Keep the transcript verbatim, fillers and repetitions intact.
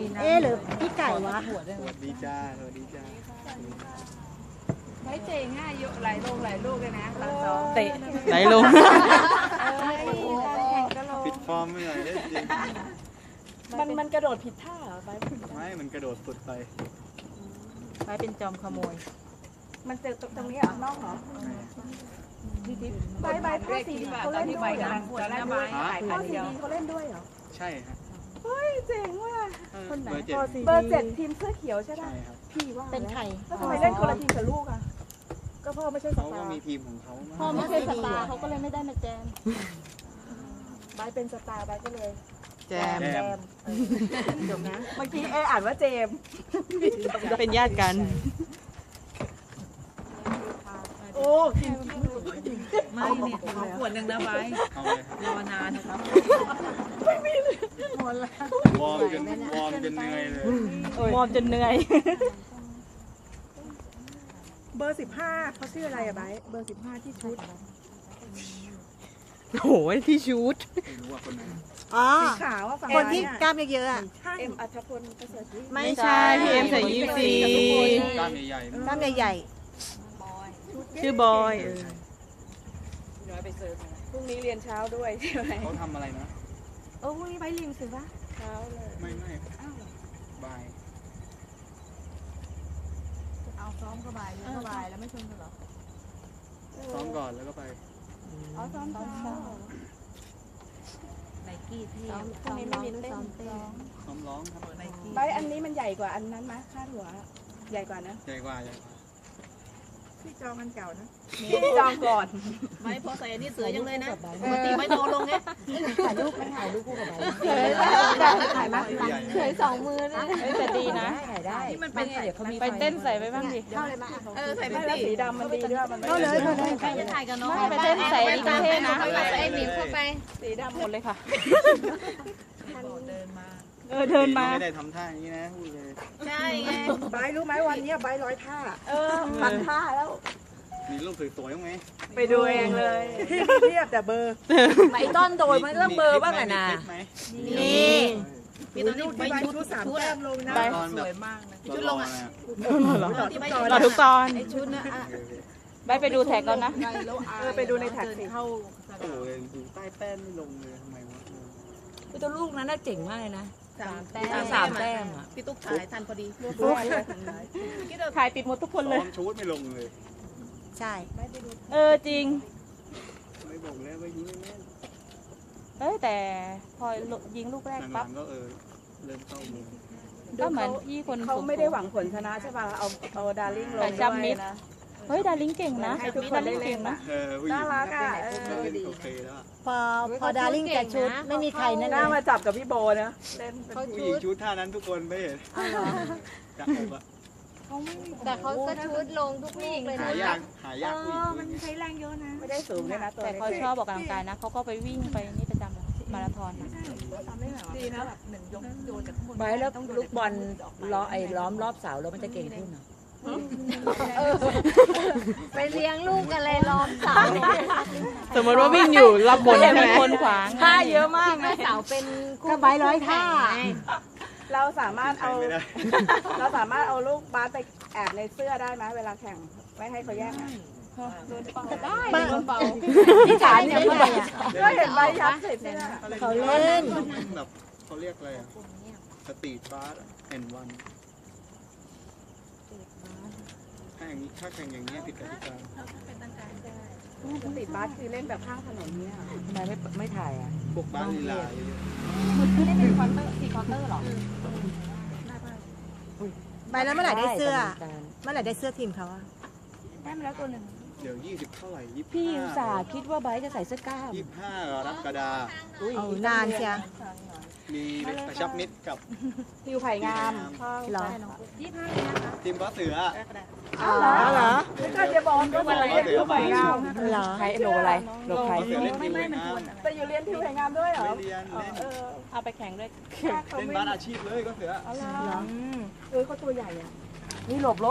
เอ๊ะหรือพี่ไก่วะสวัสดีจ้าสวัสดีจ้าใช้เจ๋งอ่ะเยอะหลายโลหลายลูกเลยนะตอนซ้อมเตะไหลลงปิดฟอร์มไม่หน่อยได้จริงมันมันกระโดดผิดท่าเหรอไปไม่มันกระโดดสุดไปไปเป็นจอมขโมยมันเจอตรงนี้เหรอนอกเหรอใบใบพ่อสีเขาเล่นด้วยเหรอตอนแรกใบพ่อสีเขาเล่นด้วยเหรอใช่ฮะเฮ้ยเจ๋งว่ะคนไหนเบอร์เจ็ดเบอร์เจ็ดทีมเสื้อเขียวใช่ไหมใช่ครับพี่ว่าเป็นใครแล้วทำไมเล่นคนละทีมกับลูกอ่ะก็พ่อไม่ใช่สเขาตาก็ร์มีทีมของเขาพ่อไม่ใช่สตาร์เขาก็เลยไม่ได้มาแจมใบเป็นสตาร์ใบก็เลยแจมแจมจบนะเมื่อกี้เออ่านว่าเจมเป็นญาติกันโอ้กินไม่เนี่ยขอขวดหนึ่งนะไว้เอาเลยครับรอนานนะครับวอร์มจนวอร์มจนเหนื่อยเลยมอมจนเหนื่อยเบอร์สิบห้าเขาชื่ออะไรอะไบเบอร์สิบห้าที่ชุดโหที่ชูดไม่รู้ว่าคนไหนอ๋อสีขาวว่าฝั่งคนที่กล้ามเยอะๆอะเอ็มอัธพลประเสริฐวิไม่ใช่พี่เอ็มใส่ยี่สิบสี่กล้ามใหญ่ๆนะกล้ามใหญ่ชื่อบอยเออน้อยไปเสิร์ฟพรุ่งนี้เรียนเช้าด้วยใช่ไหมเขาทำอะไรนะโอ้พรุ่งนี้ไปเรียนสิปะเช้าเลยไม่ไม่บายเอาซ้อมก็บ่ายเรียนก็บ่ายแล้วไม่ชวนกันหรอซ้อมก่อนแล้วก็ไปอ๋อซ้อมเช้าไนกี้ที่พรุ่งนี้ไม่มีเต้นซ้อมร้องครับไนกี้ใบอันนี้มันใหญ่กว่าอันนั้นมะค่าหัวใหญ่กว่านะใหญ่กว่าใหญ่กว่าพี่จองกันเก่านะพี่จองก่อนไม่พอใส่อันนี้เสือยังเลยนะปกติไม่โตลงไงๆถ่ายรูปไม่ถ่ายรูปคู่กับใบเคยถ่ายมาใหญ่เคยสองมือนะเฮ้ยแต่ดีนะถ่ายได้ที่มันเป็นเดี๋ยวเขามีไปเต้นใส่ไปบ้างดิเข้าเลยมาเออใส่ไปไม่แล้วสิสีดำมันดีด้วยมันเข้าเลยเข้าเลยใครจะถ่ายกับน้องไม่ไปเต้นใส่ดีเท่นะเข้าไปไอ้หนิมเข้าไปสีดำหมดเลยค่ะเดินมาเออเดินมาไม่ได้ทำท่าอย่างนี้นะพูดเลยใช่ไงใบรู้ไหมวันนี้ใบร้อยท่าเออพันท่าแล้วมีรูปสวยๆไหมไปดูเองเลยเทียบแต่เบอร์ไอ้ต้นโดยมันต้องเบอร์บ้างอะนะนี่มีตอนนี้ไปชุดชุดสามชุดแต้มลงนะสวยมากนะชุดลงอ่ะรอทุกตอนไอ้ชุดนะไปไปดูแท็กก่อนนะเออไปดูในแท็กสิเข้าโอ้โหดูใต้แป้นไม่ลงเลยทำไมวะตัวลูกนั้นน่าเจ๋งมากเลยนะสามแต้มสามแต้มอ่ะพี่ตุ๊กถ่ายทันพอดีถ่ายติดหมดทุกคนเลยซ้อมชูดไม่ลงเลยใช่เออจริงไม่บอกแล้วว่ายิงไม่แม่นเอ้ยแต่พอยิงลูกแรกหลัปั๊บงๆก็เออเริ่มเข้ามือก็เหมือนพี่คนเขาไม่ได้หวังผลชนะใช่ป่ะเอาเอาดาริ่งลงด้วยนะเฮ้ยดาริงเก่งนะให้ทุกคนได้เล่นนะเออผู้หญิงน่ารักอ่ะเล่นโอเคแล้วอะพอพอดาริ่งแต่ชุดไม่มีใครนั่นหเลน้าย มาจับกับพี่โบนะเล่นเป็นผู้หญิงชุดท่านั้นทุกคนไม่เห็นจับอกอะแต่เขาก็ชุดลงทุกลูกเลยหานะยากหายากผู้หญิงชุดใช้แรงเยอะนะไม่ได้สูงเลยนะตัวแต่เขาชอบออกกำลังกายนะเขาก็ไปวิ่งไปนี่ประจำเลยมาราธอนนะดีนะแบบหนึ่งยกโยนจากข้างบนไปแล้วลูกบอลล้อไอ้ล้อมรอบเสาแล้วมันจะเก่งขึ้นเหรอไปเลี้ยงลูกกันเลยล้อมเสาสมมติว่าวิ่งอยู่รับบนใช่ไหมคนขวางท่าเยอะมากนะเสาเป็นก็ใบร้อยท่าเราสามารถใช้เอาไม่ได้เราสามารถเอาลูกบาสไปแอบในเสื้อได้ไหมเวลาแข่งไม่ให้เขาแย่งได้โดนเป่าที่ฐานเนี่ยเมื่อไหร่อ่ะก็เห็นใบยับใส่เสื้อเขาเล่นแบบเขาเรียกอะไรอะสตรีทบาสแอนวันถ้าอย่างนี้ถ้าแข่งอย่างนี้ยผิดกติกาติดบาสคือเล่นแบบข้างถนนเนี่ยทำไมไม่ไม่ถ่ายอ่ะพวกบ้านลีลาเยอะใบแล้วเมื่อไหร่ได้เสื้อ เมื่อไหร่ได้เสื้อทีมเขาอะได้มาแล้วตัวหนึ่งเดี๋ยวยี่สิบเท่าไหร่ยี่สิบพี่อุตส่าห์คิดว่าไบร์ทจะใส่เสื้อกล้ามยี่สิบห้ากรกฎาคมเอานานเชียมีกระชับมิตรกับทิวไผ่งามเหรอทีมก็เสืออ๋อเหรอไม่ก็จะบอกว่าอะไรทิวไผ่งามเหรอใครโลอะไรโลใครก็เสือเล่นทีมงามแต่อยู่เรียนทิวไผ่งามด้วยเหรอไม่เรียนเล่นเออเอาไปแข่งด้วยเขาเล่นไม่บาสอาชีพเลยก็เสือเออเขาตัวใหญ่อะนี่หลบรถ